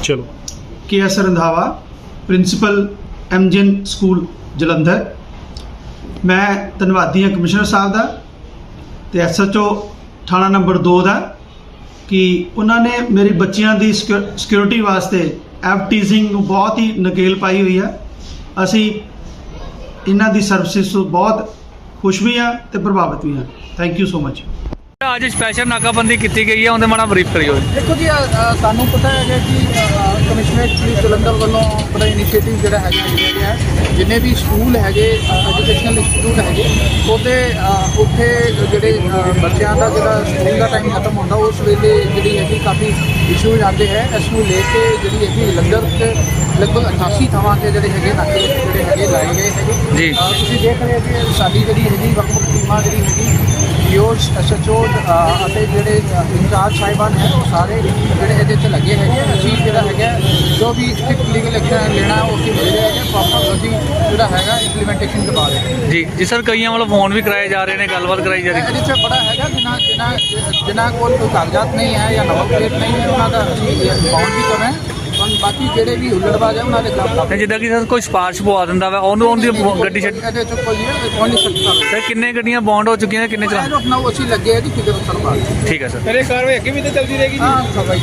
ਚਲੋ। KS Randhawa, principal MGN school Jalandhar. ਮੈਂ ਧੰਨਵਾਦੀ ਹਾਂ ਕਮਿਸ਼ਨਰ ਸਾਹਿਬ ਦਾ ਤੇ SHO ਥਾਣਾ ਨੰਬਰ 2 ਦਾ ਕਿ ਉਹਨਾਂ ਨੇ ਮੇਰੀ ਬੱਚਿਆਂ ਦੀ ਸਿਕਿਉਰਿਟੀ ਵਾਸਤੇ ਐਫਟੀਜ਼ਿੰਗ ਨੂੰ ਬਹੁਤ ਹੀ ਨਕੇਲ ਪਾਈ ਹੋਈ ਆ। ਅਸੀਂ ਇਹਨਾਂ ਦੀ ਸਰਵਿਸਿਜ਼ ਤੋਂ ਬਹੁਤ ਖੁਸ਼ ਵੀ ਹਾਂ ਤੇ ਪ੍ਰਭਾਵਿਤ ਵੀ ਹਾਂ। Thank you so much. ਅੱਜ ਸਪੈਸ਼ਲ ਨਾਕਾਬੰਦੀ ਕੀਤੀ ਗਈ ਹੈ, ਉਹਦੇ ਮਾੜਾ ਬਰੀਫ ਕਰਿਓ। देखो जी ਸਾਨੂੰ ਪਤਾ ਹੈ ਕਿ ਕਮਿਸ਼ਨਰੇਟ ਪੁਲਿਸ ਜਲੰਧਰ ਵੱਲੋਂ ਬੜਾ ਇਨੀਸ਼ੀਏਟਿਵ ਜਿਹੜਾ ਹੈਗਾ ਜਿੰਨੇ ਵੀ ਸਕੂਲ ਹੈਗੇ ਐਜੂਕੇਸ਼ਨਲ ਇੰਸਟੀਟਿਊਟ ਹੈਗੇ ਉਹਦੇ ਉੱਥੇ ਜਿਹੜੇ ਬੱਚਿਆਂ ਦਾ ਜਿਹੜਾ ਸਕੂਲ ਦਾ ਟਾਈਮ ਖਤਮ ਹੁੰਦਾ ਉਸ ਵੇਲੇ ਜਿਹੜੀ ਹੈਗੀ ਕਾਫੀ ਇਸ਼ੂਜ਼ ਆਉਂਦੇ ਹੈ। ਇਸ ਨੂੰ ਲੈ ਕੇ ਜਿਹੜੀ ਹੈਗੀ ਜਲੰਧਰ 'ਚ ਲਗਭਗ 88 ਥਾਵਾਂ 'ਤੇ ਜਿਹੜੇ ਹੈਗੇ ਨਾਕੇ ਜਿਹੜੇ ਹੈਗੇ ਲਾਏ ਗਏ ਹੈਗੇ ਜੀ। ਤੁਸੀਂ ਦੇਖ ਰਹੇ ਹੋ ਕਿ ਸਾਡੀ ਜਿਹੜੀ ਹੈਗੀ ਵੱਖ-ਵੱਖ ਟੀਮਾਂ ਜਿਹੜੀ ਹੈਗੀ POs SHO ਅਤੇ ਜਿਹੜੇ ਇੰਚਾਰਜ ਸਾਹਿਬਾਨ ਹੈ ਉਹ ਸਾਰੇ ਜਿਹੜੇ ਇਹਦੇ 'ਚ ਲੱਗੇ ਹੈਗੇ। ਅਸੀਂ ਜਿਹੜਾ ਹੈਗਾ ਜੋ ਵੀ ਸਟ੍ਰਿਕਟ ਲੀਗਲ ਐਕਸ਼ਨ ਲੈਣਾ ਉਹ ਅਸੀਂ ਲੈ ਰਹੇ ਹੈਗੇ। ਪ੍ਰੋਪਰ ਅਸੀਂ ਜਿਹੜਾ ਹੈਗਾ ਇੰਪਲੀਮੈਂਟੇਸ਼ਨ ਕਰਵਾ ਰਹੇ ਹਾਂ ਜੀ ਸਰ, ਕਈਆਂ ਵੱਲੋਂ ਫੋਨ ਵੀ ਕਰਾਏ ਜਾ ਰਹੇ ਨੇ, ਗੱਲਬਾਤ ਕਰਾਈ ਜਾ ਰਹੀ ਹੈ। ਇਹਦੇ 'ਚ ਬੜਾ ਹੈਗਾ ਜਿਨ੍ਹਾਂ ਕੋਲ ਕੋਈ ਕਾਗਜ਼ਾਤ ਨਹੀਂ ਹੈ ਜਾਂ ਨੰਬਰ ਪਲੇਟ ਨਹੀਂ ਹੈ ਉਹਨਾਂ ਦਾ ਅਸੀਂ ਬਾਉਂਡ ਵੀ ਕਰ ਰਹੇ ਹਾਂ। ਬਾਕੀ ਜਿਹੜੇ ਵੀ ਹੁੱਲੜਬਾਜ਼ ਹੈ ਉਹਨਾਂ ਦੇ ਖਿਲਾਫ ਤੇ ਜਿੱਦਾਂ ਕਿ ਸਰ ਕੋਈ ਸਪਾਰਸ਼ ਪਵਾ ਦਿੰਦਾ ਵਾ ਉਹਨੂੰ ਉਹਦੀ ਗੱਡੀ ਛੱਡ। ਇਹਦੇ 'ਚ ਕੋਈ ਨਹੀਂ ਸਕਦਾ ਸਰ ਕਿੰਨੇ ਗੱਡੀਆਂ ਬੌਂਡ ਹੋ ਚੁੱਕੀਆਂ ਨੇ, ਕਿੰਨੇ ਚਲਾ? ਆਪਣਾ ਉਹ ਅਸੀਂ ਲੱਗੇ ਹੈ ਕਿ ਫਿਗਰ ਕਰਵਾ ਠੀਕ ਹੈ ਸਰ। ਮੇਰੇ ਕਾਰਵਾਈ ਅੱਗੇ ਵੀ ਤਾਂ ਚੱਲਦੀ ਰਹੇਗੀ ਜੀ। ਹਾਂ ਸਭਾਈ